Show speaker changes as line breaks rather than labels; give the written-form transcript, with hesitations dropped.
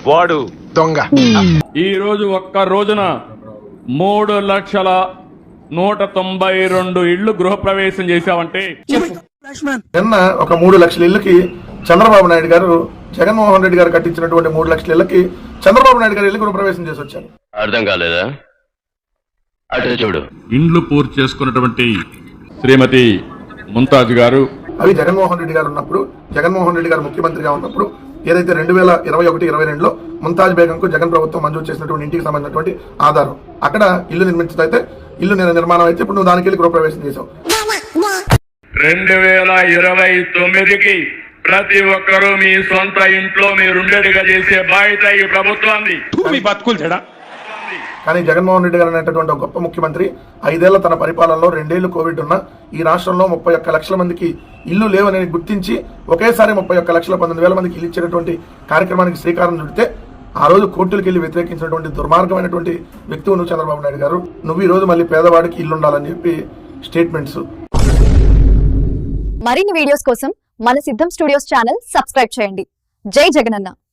వాడు
దొంగ.
ఈ రోజు ఒక్క రోజున 3,192 ఇళ్లు గృహప్రవేశం చేశావంటే
నిన్న ఒక 3 లక్షల ఇళ్లకి చంద్రబాబు నాయుడు గారు జగన్మోహన్ రెడ్డి గారు కట్టించినటువంటి 3 లక్షల ఇళ్లకి చంద్రబాబు నాయుడు గారు ఇల్లు గృహప్రవేశం చేసి వచ్చారు.
అర్థం కాలేదా? అటు చూడు.
ఇండ్లు పూర్తి చేసుకున్నటువంటి శ్రీమతి ముంతాజ్ గారు
అవి జగన్మోహన్ రెడ్డి గారు ఉన్నప్పుడు, జగన్మోహన్ రెడ్డి గారు ముఖ్యమంత్రిగా ఉన్నప్పుడు ఏదైతే 2021-22లో ముంతాజ్ బేగంకు జగన్ ప్రభుత్వం మంజూరు చేసినటువంటి ఇంటికి సంబంధించినటువంటి ఆధారం. అక్కడ ఇల్లు నిర్మించదైతే ఇల్లు నిర్మాణం అయితే ఇప్పుడు నువ్వు దానికి వెళ్ళి గృహప్రవేశం చేసావు.
2029కి ప్రతి ఒక్కరూ మీ సొంత ఇంట్లో మీరుండేట్టుగా చేసే బాధ్యత ఈ ప్రభుత్వాన్ని.
కానీ జగన్మోహన్ రెడ్డి గారు అనేటటువంటి ఒక గొప్ప ముఖ్యమంత్రి 5 ఏళ్ల తన పరిపాలనలో 2 ఏళ్లు కోవిడ్ ఉన్న ఈ రాష్ట్రంలో 31 లక్షల మందికి ఇల్లు లేవని గుర్తించి ఒకేసారి 31 లక్షల 19,000 మందికి ఇల్లు ఇచ్చేటటువంటి కార్యక్రమానికి శ్రీకారం చుడితే ఆ రోజు కోర్టులకు వెళ్ళి వ్యతిరేకించినటువంటి దుర్మార్గమైనటువంటి వ్యక్తులు నువ్వు చంద్రబాబు నాయుడు గారు. నువ్వు ఈ రోజు మళ్ళీ పేదవాడికి ఇల్లు ఉండాలని చెప్పి స్టేట్మెంట్స్.
మరిన్ని వీడియోస్ కోసం మన సిద్ధం స్టూడియోస్ ఛానల్ సబ్స్క్రైబ్ చేయండి. జై జగనన్న.